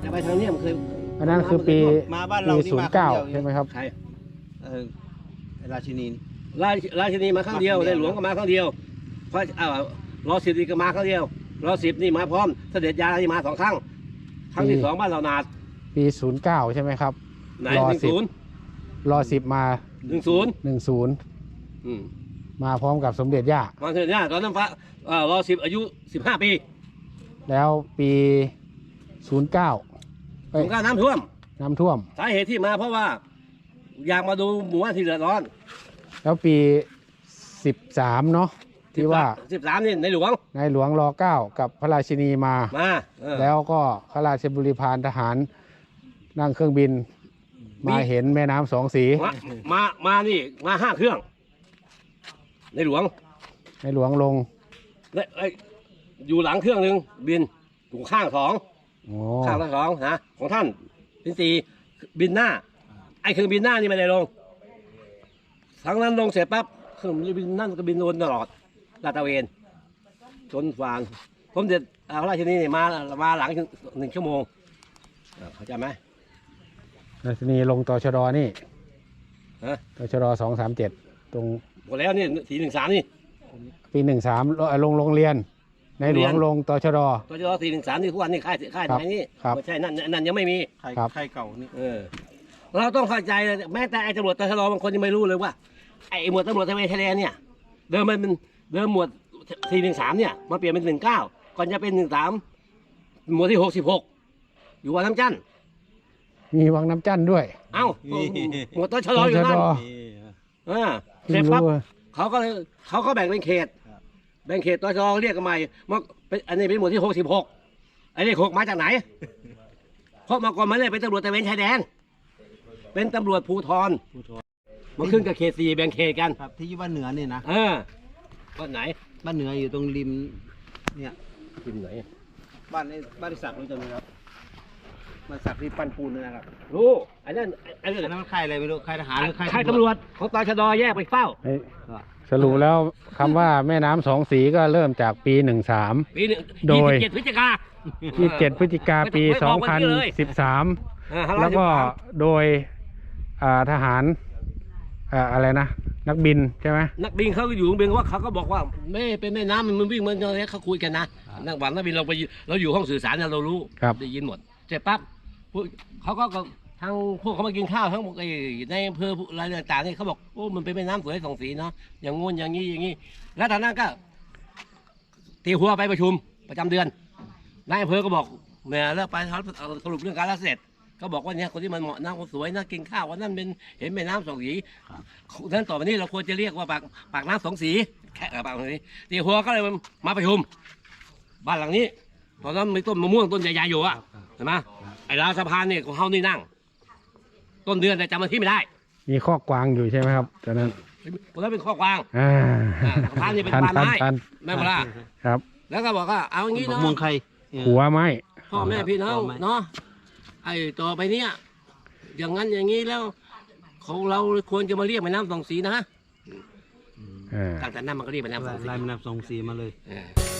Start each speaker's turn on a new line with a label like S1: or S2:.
S1: จะไปทางเนี้ยมันเคย
S2: อันนั้นคือปี
S3: มาบ้านเรา
S2: ปี09ใช่ไหมครับ
S1: ใช่
S3: ราชินี
S1: ราชินีมาครั้งเดียวในหลวงก็มาครั้งเดียวพระรอ10นี่ก็มาครั้งเดียวรอ10นี่มาพร้อมเสด็จยานี่มา2 ครั้งครั้งที่2บ้านเรานาด
S2: ปี09ใช่ไหมครับ
S1: ไหน
S2: รอ10มา10มาพร้อมกับสมเด็จย่า
S1: มาเสด็จย่าตอนนั้นพระรอ10อายุ15 ปี
S2: แล้วปี09
S1: น้ำท่วมสาเหตุที่มาเพราะว่าอยากมาดูหมู่บ้านที่เดือดร้อน
S2: แล้วปี13เนาะที่ว่า
S1: 13นี่ในหลวง
S2: ร9กับพระราชินีมาแล้วก็ข้าราชบริพารทหารนั่งเครื่องบินมาเห็นแม่น้ำ2 สี
S1: มานี่มา5 เครื่องในหลวง
S2: ลง
S1: อยู่หลังเครื่องหนึ่งบินอยู่ข้าง2ข้างละ2นะของท่านเป็น4บินหน้าไอ้เครื่องบินหน้านี่ไม่ได้ลงทั้งนั้นลงเสร็จปั๊บเครื่องบินนั่นก็บินวนตลอดลาดตระเวนจนฟางผมเด็ดราชนีนี่มาหลัง1 ชั่วโมงเข้าใจไหม
S2: ราชนีลงตชดนี่ตชด237ตรง
S1: หมดแล้วนี่413นี่
S2: ปี13ลงโรงเรียนในหลวงลงตชด
S1: 413นี่ทุกวันนี่ค่ายไหนนี่ไม่ใช่นั่นยังไม่มี
S3: ค่ายเก่านี่
S1: เราต้องเข้าใจแม้แต่ไอ้ตำรวจตชดบางคนยังไม่รู้เลยว่าไอ้หมวดตำรวจตระเวนชายแดนเนี่ยเดิมหมวด413เนี่ยมาเปลี่ยนเป็น19ก่อนจะเป็น13หมวดที่66อยู่วังน้ำจันทร์
S2: มีวังน้ำจันทร์ด้วย
S1: เอ้าหมวดตชดอยู่นั่นเสร็จปั๊บเขาก็แบ่งเป็นเขตตชดเรียกกันใหม่อันนี้เป็นหมวดที่66ไอ้เลข6มาจากไหนเพราะมาก่อนมันเลยเป็นตำรวจตระเวนชายแดนเป็นตำรวจภูธรมาขึ้นกับเขต4แบ่งเขตกัน
S3: ครับที่บ้านเหนือเนี่ยนะ
S1: บ้านไหน
S3: บ้านเหนืออยู่ตรงริมเนี่ย
S1: ริมไหน
S3: บ้านที่ศักดิ์รู้จักไหมครับบ้านศักดิ์ที่ปั้นปูนนะครับ
S1: รู้อันนั้น
S3: มันค่ายอะไรไม่รู้ค่ายทหารหรือ
S1: ค่ายตำรวจของตชดแยกไปเฝ้า
S2: สรุปแล้วคำว่าแม่น้ำ2 สีก็เริ่มจากปี13โดย
S1: 27 พฤศจิ
S2: กาปี2013แล้วก็โดยทหารอะไรนะนักบินใช่ไหม
S1: นักบินเขาอยู่บินว่าเขาก็บอกว่าไม่เป็นแม่น้ำมันวิ่งมันอะไรเขาคุยกันนะนักบินเราอยู่ห้องสื่อสารเรารู้ได้ยินหมดเสร็จปั๊บเขาก็ทางพวกเขามากินข้าวทั้งในอำเภออะไรต่างๆนี่เขาบอกโอ้มันเป็นแม่น้ำสวย2 สีเนาะอย่างงู้นอย่างนี้แล้วตอนนั้นก็ตีหัวไปประชุมประจำเดือนนายอำเภอก็บอกเนี่ยแล้วไปสรุปเรื่องการเสร็จก็บอกว่าเนี่ยคนที่มันเหมาะน้ำคนสวยน่ากินข้าวว่านั่นเป็นเห็นแม่น้ำ2 สีนั้นต่อไปนี้เราควรจะเรียกว่าปากน้ำ2 สีแค่ปากนี้ตีหัวก็เลยมาประชุมบ้านหลังนี้ตอนนั้นมีต้นมะม่วงต้นใหญ่ๆอยู่อะเห็นไหมไอ้ราวสะพานเนี่ยของเขานี่นั่งต้นเดือนแต่จำวันที่ไม่ได้
S2: มีข้อกวางอยู่ใช่ไหมครับตอนนั้น
S1: เป็นข้อกวางสะพานนี่เป็นบานไม้แม่พลา
S2: ครับ
S1: แล้วก็บอกว่าเอาอย่างนี้เนาะ
S3: มวงใคร
S2: หัวไม้
S1: พ่อแม่พี่น้องเนาะไอ้ต่อไปเนี่ยอย่างนั้นอย่างนี้แล้วของเราควรจะมาเรียกแม่น้ำ2 สีนะตั้งแต่นั้นมันก็เรียกแม่น้ำ2 สี
S3: ลายแม่น้ำ2 สีมาเลย